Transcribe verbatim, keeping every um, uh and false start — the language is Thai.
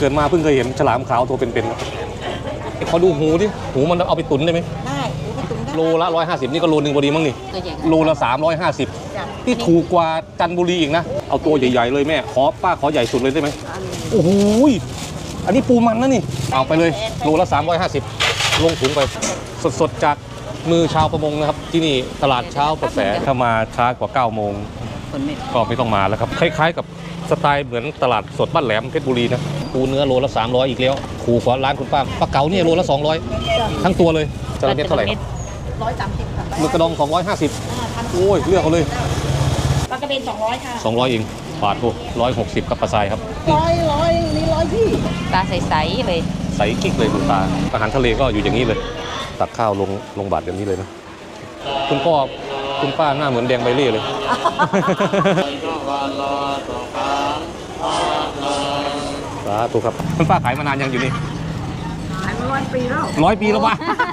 เกิดมาเพิ่งเคยเห็นฉลามขาวตัวเป็นๆขอดูหูดิหูมันเอาไปตุ๋นได้ไหมได้หูไปตุ๋นได้โลละร้อยห้าสิบนี่ก็โลนึงพอดีมั้งนี่โลละสามร้อยห้าสิบที่ถูกกว่าจันทบุรีอีกนะเอาตัวใหญ่ๆเลยแม่ขอป้าขอใหญ่สุดเลยได้ไหมโอ้โหอันนี้ปูมันนะนี่เอาไปเลยโลละสามร้อยห้าสิบลงถุงไปสดๆจากมือชาวประมงนะครับที่นี่ตลาดเช้าประแสถ้ามาช้ากว่าเก้าโมงก็ไม่ต้องมาแล้วครับคล้ายๆกับสไตล์เหมือนตลาดสดบ้านแหลมเพชรบุรีนะปูเนื้อโลละสามร้อยอีกแล้วถูกกว่าร้านคุณป้าปลาเก๋าเนี่ยโลละสองร้อยทั้งตัวเลยจระเม็ดเท่าไหร่ร้อยสามสิบค่ะมือกระดองสองร้อยห้าสิบโอ้ยเลือกเอาเลยปลากระเบนสองร้อยค่ะสองร้อยเองบาทโอ้ร้อยหกสิบกับปลาทรายครับร้อยร้อยนี่ร้อยพี่ปลาใสๆเลยใสกิ๊กเลยคุณตาอาหารทะเลก็อยู่อย่างนี้เลยตักข้าวลงลงบาทแบบนี้เลยนะคุณพ่อคุณป้าหน้าเหมือนแดงใบเล่เลยสาธุครับคุณป้าขายมานานยังอยู่นี่ขายมาร้อยปีแล้วร้อยปีแล้ววะ